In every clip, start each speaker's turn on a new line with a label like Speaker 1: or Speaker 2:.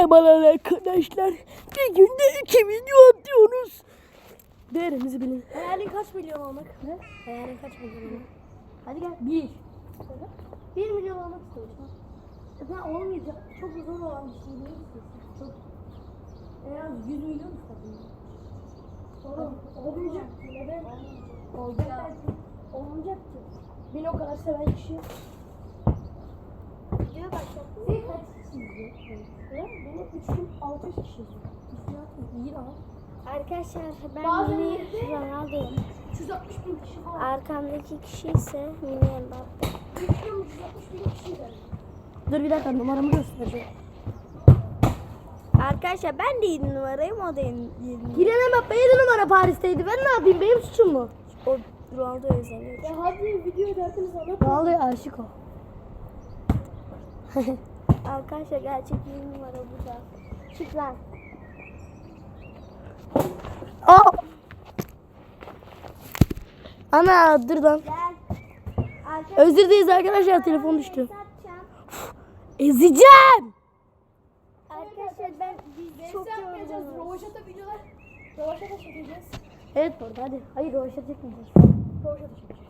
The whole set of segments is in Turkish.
Speaker 1: Merhabalar arkadaşlar. Bir günde 2 video atıyoruz. Değerimizi bilin.
Speaker 2: Hayalin kaç milyon olmak?
Speaker 1: Ne?
Speaker 2: Hayalin kaç milyon olmak?
Speaker 1: Hadi gel. 1.
Speaker 2: 1 milyon olmak istiyorsun. Zaten olmayacak. Çok zor olan bir şey değil. Çok. En az 100 milyon istedim. Sonra olmayacak. Neden? Olacak belki. Olmayacaktı. Beni o kadar seven kişi. Videoya başlattın. Sen kaç kişi izliyor? Benim 3600 kişi izliyor. İyi lan.
Speaker 3: Arkadaşlar ben
Speaker 2: Bazen
Speaker 3: mini
Speaker 2: de-
Speaker 3: Ronaldo'yum.
Speaker 2: 360 bin kişi falan.
Speaker 3: Arkamdaki kişi ise mini Mbappe.
Speaker 2: 360 bin kişi izliyor.
Speaker 1: Dur bir dakika numaramı göstereceğim.
Speaker 3: Arkadaşlar ben de 7 numarayım, o da 7 numara.
Speaker 1: Kylian Mbappe 7 numara Paris'teydi. Ben ne yapayım? Benim suçum mu?
Speaker 3: O Ronaldo'ya özeniyor.
Speaker 2: Ya hadi video derdiniz anlat.
Speaker 1: Vallahi aşık o.
Speaker 3: Arkadaşlar gerçek 7 numara burada. Çık lan.
Speaker 1: Aa! Ana dur lan.
Speaker 3: Gel. Arkadaşlar
Speaker 1: Özür dileriz arkadaşlar, telefon düştü.
Speaker 3: satacağım.
Speaker 1: Ezeceğim.
Speaker 3: Arkadaşlar ben çok
Speaker 2: yapmayacağız.
Speaker 3: yoruldum.
Speaker 2: Rovaşata videolar. Rovaşata çekeceğiz.
Speaker 1: Evet orada hadi. Hayır o işe çekmeyeceğiz.
Speaker 2: Rovaşata çekeceğiz.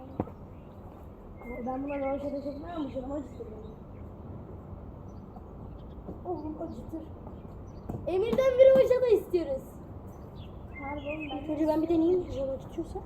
Speaker 1: Ben buna o işe çekmem ama canım acıtır.
Speaker 2: Oğlum acıtır.
Speaker 1: Emir'den bir hoşa da istiyoruz.
Speaker 3: Pardon ben.
Speaker 1: Önce ben bir deneyeyim. Canım acıtıyorsa.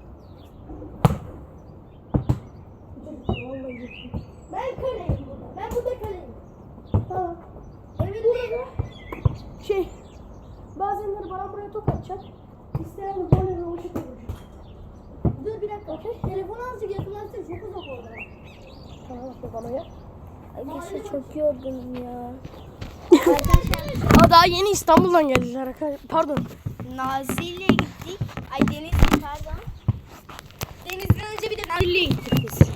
Speaker 1: Vallahi acıtıyor.
Speaker 2: Ben kaleyim burada. Ben burada kaleyim.
Speaker 1: Tamam.
Speaker 2: Evinde
Speaker 1: Şey.
Speaker 2: bazenleri bana buraya top atacak. İsteyen de böyle rovaşata vuracak. Dur bir dakika. Telefonu azıcık yakınlaştır. Çok uzak orada.
Speaker 1: Tamam bana ya.
Speaker 3: Arkadaşlar çok yorgunum ya.
Speaker 1: Aa, daha yeni İstanbul'dan geldiler arkadaşlar. Pardon.
Speaker 3: Nazilli'ye gittik. Ay Denizli pardon. Denizli'den önce bir de
Speaker 1: Nazilli'ye gittik biz.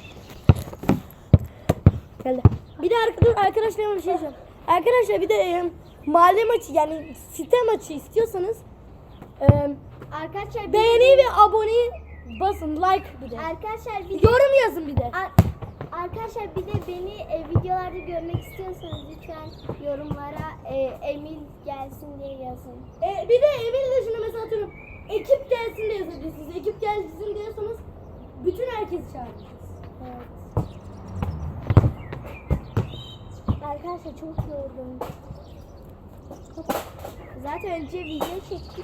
Speaker 1: Geldi. Bir de arkadaşlar bir şey diyeceğim. Arkadaşlar bir de mahalle maçı yani site maçı istiyorsanız
Speaker 3: Arkadaşlar
Speaker 1: beğeni ve aboneyi basın, like bir de.
Speaker 3: Arkadaşlar bir
Speaker 1: Yorum yazın bir de.
Speaker 3: Arkadaşlar bir de beni videolarda görmek istiyorsanız lütfen yorumlara Emil gelsin diye yazın.
Speaker 1: Bir de evin dışında mesela atıyorum ekip gelsin de yazabilirsiniz. Ekip gelsin diyorsanız bütün herkesi çağıracağız.
Speaker 3: Evet. Arkadaşlar çok yoruldum. Zaten önce video çektik.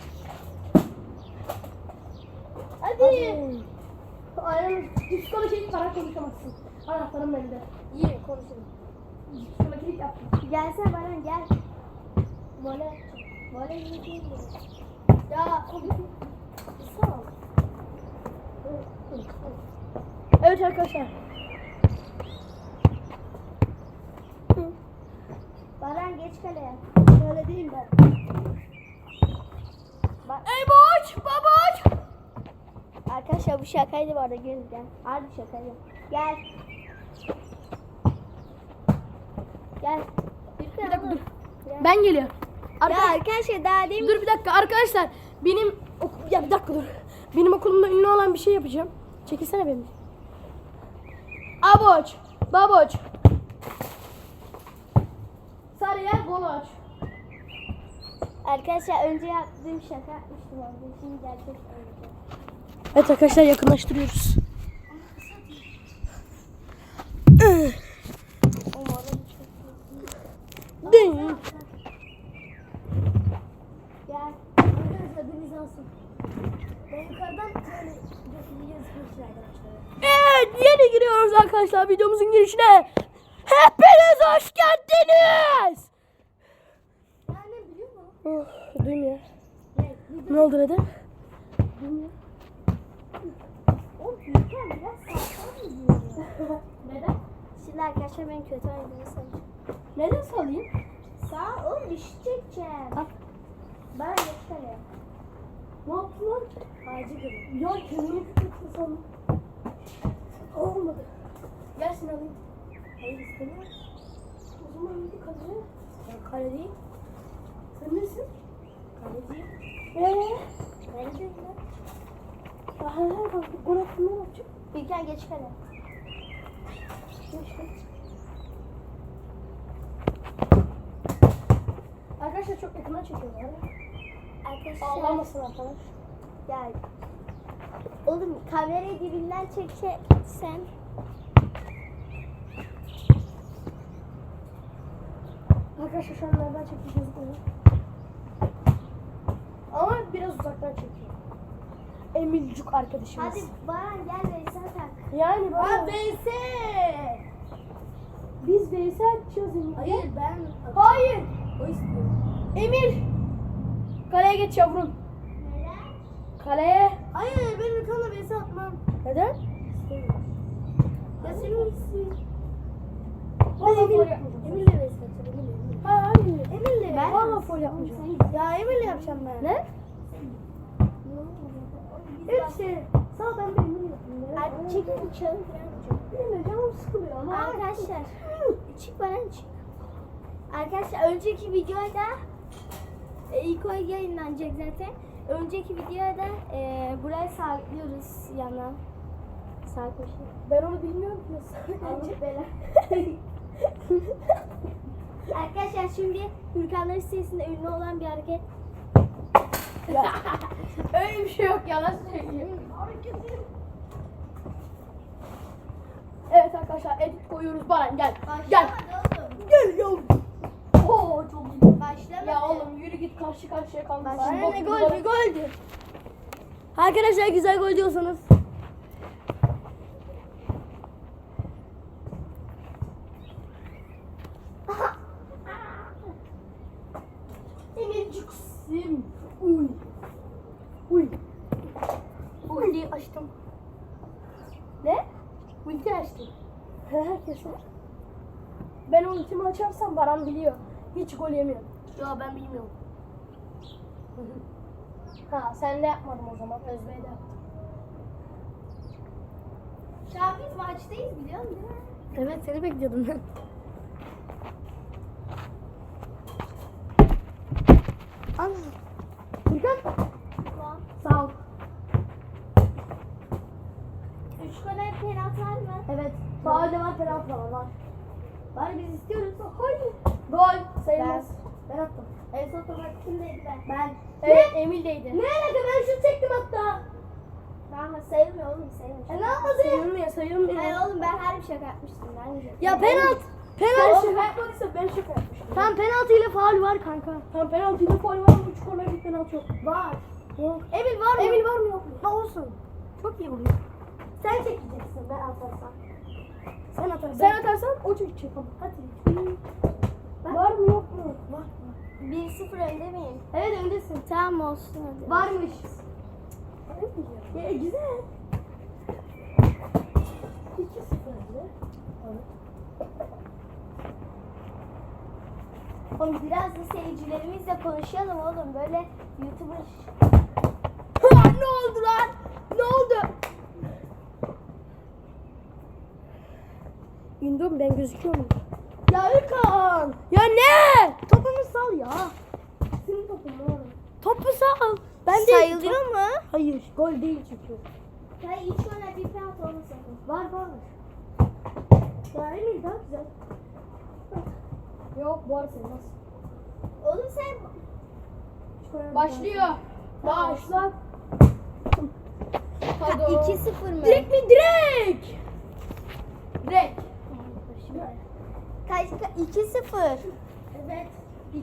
Speaker 1: Hadi. Aynen. Diskonu çekip para konuşamazsın. Anahtarım bende.
Speaker 2: İyi konuşalım.
Speaker 1: Şuna kilit yaptım.
Speaker 3: Gelsene Baran gel. Böyle yiyeceğim de.
Speaker 2: Ya o bir sağ ol.
Speaker 1: Evet arkadaşlar.
Speaker 3: Baran geç kaleye.
Speaker 1: Öyle değilim ben.
Speaker 3: Bak.
Speaker 1: Ey boş, baboş.
Speaker 3: Arkadaşlar bu şakaydı bu arada gelin gel. Harbi şakaydı. Gel. Gel.
Speaker 1: Bir dakika dur. Ben geliyorum.
Speaker 3: Ya arkadaşlar daha değil mi?
Speaker 1: Dur bir dakika arkadaşlar. Benim ya bir dakika dur. Benim okulumda ünlü olan bir şey yapacağım. Çekilsene benim. Aboç, baboç. Sarıya goloç.
Speaker 3: Arkadaşlar önce yaptığım şaka yapmıştım orada. Şimdi gerçek olacak.
Speaker 1: Evet arkadaşlar yakınlaştırıyoruz.
Speaker 3: Umarım çok iyi.
Speaker 1: Ding.
Speaker 3: Gel.
Speaker 2: Arkadaşlar deniz alsın. Ben yukarıdan böyle yazmışlar arkadaşlar.
Speaker 1: Evet yeni giriyoruz arkadaşlar videomuzun girişine. Hepiniz hoş geldiniz.
Speaker 2: Yani biliyor musun?
Speaker 1: Oh, duymuyor.
Speaker 2: Ne?
Speaker 1: Ne oldu neden?
Speaker 2: Bilmiyorum. O büyükken biraz sağlam mı diyor?
Speaker 1: Neden?
Speaker 3: Şimdi arkadaşlar ben kötü oynadığını sanıyorum.
Speaker 1: Neden salayım?
Speaker 3: Sağ ol bir şey çekeceğim.
Speaker 1: Al.
Speaker 3: Bana geç kaleye.
Speaker 1: Ne yaptın lan?
Speaker 2: Ağacı görüyor.
Speaker 1: Ya kendini küçültün sana. Olmadı. Gel seni alayım.
Speaker 2: Hayır istemiyorum.
Speaker 1: O zaman hadi kaleye. Ya kale değil. Sen nesin?
Speaker 2: Kaleciyim.
Speaker 1: Kaleciyim lan. Aha bak gol attın ne yapacak?
Speaker 3: Bilgen geç kaleye.
Speaker 1: Geç geç.
Speaker 2: Arkadaşlar çok yakından çekiyorlar.
Speaker 3: Arkadaşlar.
Speaker 2: Ağlamasın arkadaş.
Speaker 3: Ya. Oğlum kamerayı dibinden çeksen.
Speaker 2: Arkadaşlar şu an nereden çekeceğiz bunu? Ama biraz uzaktan çekiyor. Emilcuk arkadaşımız.
Speaker 3: Hadi Baran gel Veysel tak.
Speaker 2: Yani
Speaker 1: Ha
Speaker 2: bana
Speaker 1: VS.
Speaker 2: biz VS atacağız Emir.
Speaker 1: Hayır ben.
Speaker 2: Hayır.
Speaker 1: O istiyor.
Speaker 2: Emir. Kaleye geç yavrum.
Speaker 3: Neden?
Speaker 2: Kaleye.
Speaker 1: Hayır ben Ürkan'la VS atmam.
Speaker 2: Neden?
Speaker 1: Ya senin istiyorsun.
Speaker 2: Valla
Speaker 1: Emir-
Speaker 2: foul yapmayacağım.
Speaker 1: Emir'le VS atacağım. Emir'le.
Speaker 2: Hayır.
Speaker 1: Emir'le.
Speaker 2: Ben valla foul yapmayacağım.
Speaker 1: Ya Emir'le yapacağım ben.
Speaker 2: Ne? Evet şey. Sağ ben de Emir yapayım.
Speaker 3: Hadi çekin çalın falan.
Speaker 2: Benim de canım sıkılıyor ama.
Speaker 3: Arkadaşlar. Çık Baran çık. Arkadaşlar önceki videoda ilk oy yayınlanacak zaten. Önceki videoda burayı sabitlıyoruz yana. Sağ köşe.
Speaker 2: Ben onu bilmiyorum ki nasıl.
Speaker 3: Allah bela. Arkadaşlar şimdi Hürkanların sitesinde ünlü olan bir hareket.
Speaker 2: Öyle bir şey yok yalan söyleyeyim. Evet arkadaşlar edit koyuyoruz Baran gel. Gel.
Speaker 3: Başlamadı
Speaker 2: Gel yavrum. Oo çok iyi.
Speaker 3: oğlum. Başlamadı.
Speaker 2: Ya oğlum yürü git karşı karşıya kalma.
Speaker 3: Başlamadı.
Speaker 1: Ne gol bir goldü. Arkadaşlar güzel gol diyorsanız.
Speaker 2: Emirciksim. Uy. Uy.
Speaker 1: Ultiyi açtım.
Speaker 2: Ne? Ulti açtım. Herkes var. Ben ultimi açarsam Baran biliyor. Hiç gol yemiyor.
Speaker 1: Ya ben bilmiyorum.
Speaker 2: Ha sen de yapmadın o zaman. Özbey de yaptı.
Speaker 3: Şu an biz maçtayız biliyor musun değil mi?
Speaker 1: Evet seni bekliyordum ben. Al. Ürkan.
Speaker 3: Tamam.
Speaker 1: Sağ ol.
Speaker 3: 3 gole penaltı var mı?
Speaker 1: Evet. Faalde var, penaltı da var. Bari biz istiyoruz. Hayır.
Speaker 2: Gol sayılmaz.
Speaker 1: Ben attım.
Speaker 3: En son topu kimdeydi ben?
Speaker 1: Ben.
Speaker 2: Evet Emil'deydi.
Speaker 1: Ne alaka, ben şut çektim hatta.
Speaker 3: Tamam sayılmıyor oğlum sayılmıyor.
Speaker 1: Ne yapmadın?
Speaker 2: Sayılmıyor sayılmıyor.
Speaker 3: Hayır oğlum ben her bir şaka yapmıştım ben de.
Speaker 1: Ya penaltı.
Speaker 2: Sen
Speaker 1: Penaltı.
Speaker 2: şaka yapmadıysa ben şaka yapmıştım.
Speaker 1: Tam penaltı ile faul var kanka.
Speaker 2: Tam penaltıyla faul var ama 3 korner bir penaltı yok.
Speaker 1: Var.
Speaker 2: Yok.
Speaker 1: Emil var mı?
Speaker 2: Emil var mı yok mu?
Speaker 1: Ha olsun. Çok iyi oluyor. Sen çekeceksin, ben atarsam. Sen atarsın.
Speaker 2: Sen atarsan o çekecek ama.
Speaker 1: Hadi.
Speaker 2: Var mı yok mu?
Speaker 1: Var.
Speaker 3: 1-0 önde miyim?
Speaker 1: Evet öndesin.
Speaker 3: Tamam olsun hadi.
Speaker 1: Varmış. Ya güzel. 2-0.
Speaker 3: Oğlum biraz da seyircilerimizle konuşalım oğlum böyle YouTuber.
Speaker 2: Ne oldu lan? Ne oldu? Gündüm ben gözüküyor muyum?
Speaker 1: Ya Ürkan.
Speaker 2: Ya ne?
Speaker 1: Topumu sal ya. Senin topun oğlum.
Speaker 2: Topu sal.
Speaker 1: Ben de
Speaker 3: Sayılıyor mu?
Speaker 2: Hayır gol değil çünkü.
Speaker 3: Hayır hiç öyle bir penaltı olmasın.
Speaker 1: Var var. Ya Emil daha güzel.
Speaker 2: Yok bu arada sayılmaz.
Speaker 3: Oğlum sen
Speaker 2: Başlıyor. Başla. Hadi.
Speaker 3: 2-0 mı?
Speaker 2: Direkt mi direkt? Direkt.
Speaker 3: Kaç 2-0.
Speaker 1: Evet. 2-0.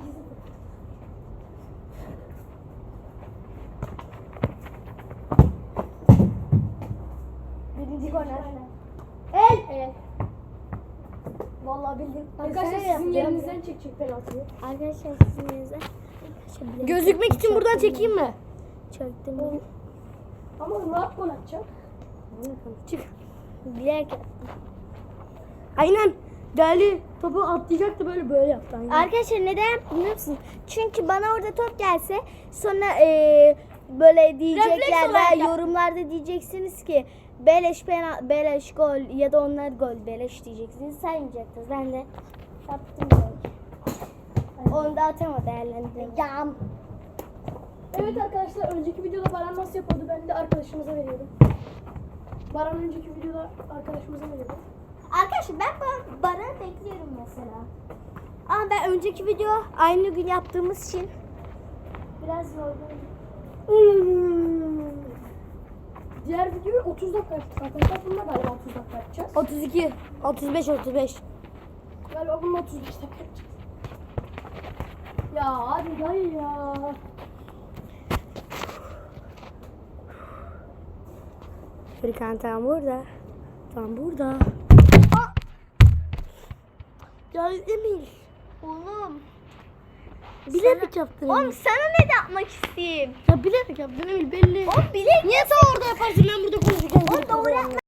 Speaker 2: Birinci korner.
Speaker 1: El.
Speaker 2: Evet.
Speaker 1: Vallahi bildim.
Speaker 2: Arkadaşlar sizin yerinizden çekecek penaltıyı.
Speaker 3: Arkadaşlar sizin yerinize.
Speaker 1: Gözükmek için buradan çekeyim mi?
Speaker 3: Çöktüm.
Speaker 2: Ama rahat gol atacak.
Speaker 1: Çık.
Speaker 3: Bilerek.
Speaker 1: Aynen. Değerli topu atlayacaktı, böyle yaptı. Aynen.
Speaker 3: Arkadaşlar neden biliyor musun? Çünkü bana orada top gelse sonra böyle diyecekler
Speaker 1: Refleks olarak
Speaker 3: veya
Speaker 1: yap.
Speaker 3: yorumlarda diyeceksiniz ki beleş gol ya da onlar gol beleş diyeceksiniz, saymayacaksınız. Ben de yaptım gol. Onu da atama değerlendireceğim.
Speaker 2: Evet arkadaşlar önceki videoda Baran nasıl yapıyordu ben de arkadaşımıza veriyordum. Baran önceki videoda arkadaşımıza veriyordu.
Speaker 3: Arkadaşlar ben Baran'ı bekliyorum mesela. Ama ben önceki video aynı gün yaptığımız için biraz yorgunum.
Speaker 2: Diğer videoyu 30 dakika yaptık arkadaşlar. Bunda galiba 30 dakika yapacağız.
Speaker 3: 32, 35.
Speaker 2: Galiba bunun 35 dakika yapacağız. Ya hadi dayı ya.
Speaker 3: Furkan tam burada. Tam burada.
Speaker 1: Ya Emil.
Speaker 3: Oğlum.
Speaker 1: Bilerek yaptın Emil.
Speaker 3: Oğlum sana ne de yapmak isteyeyim?
Speaker 1: Ya bilerek yaptın Emil belli.
Speaker 3: Oğlum bilek.
Speaker 1: Niye sen orada yaparsın ben burada konuşurken?
Speaker 3: Oğlum doğru yapma.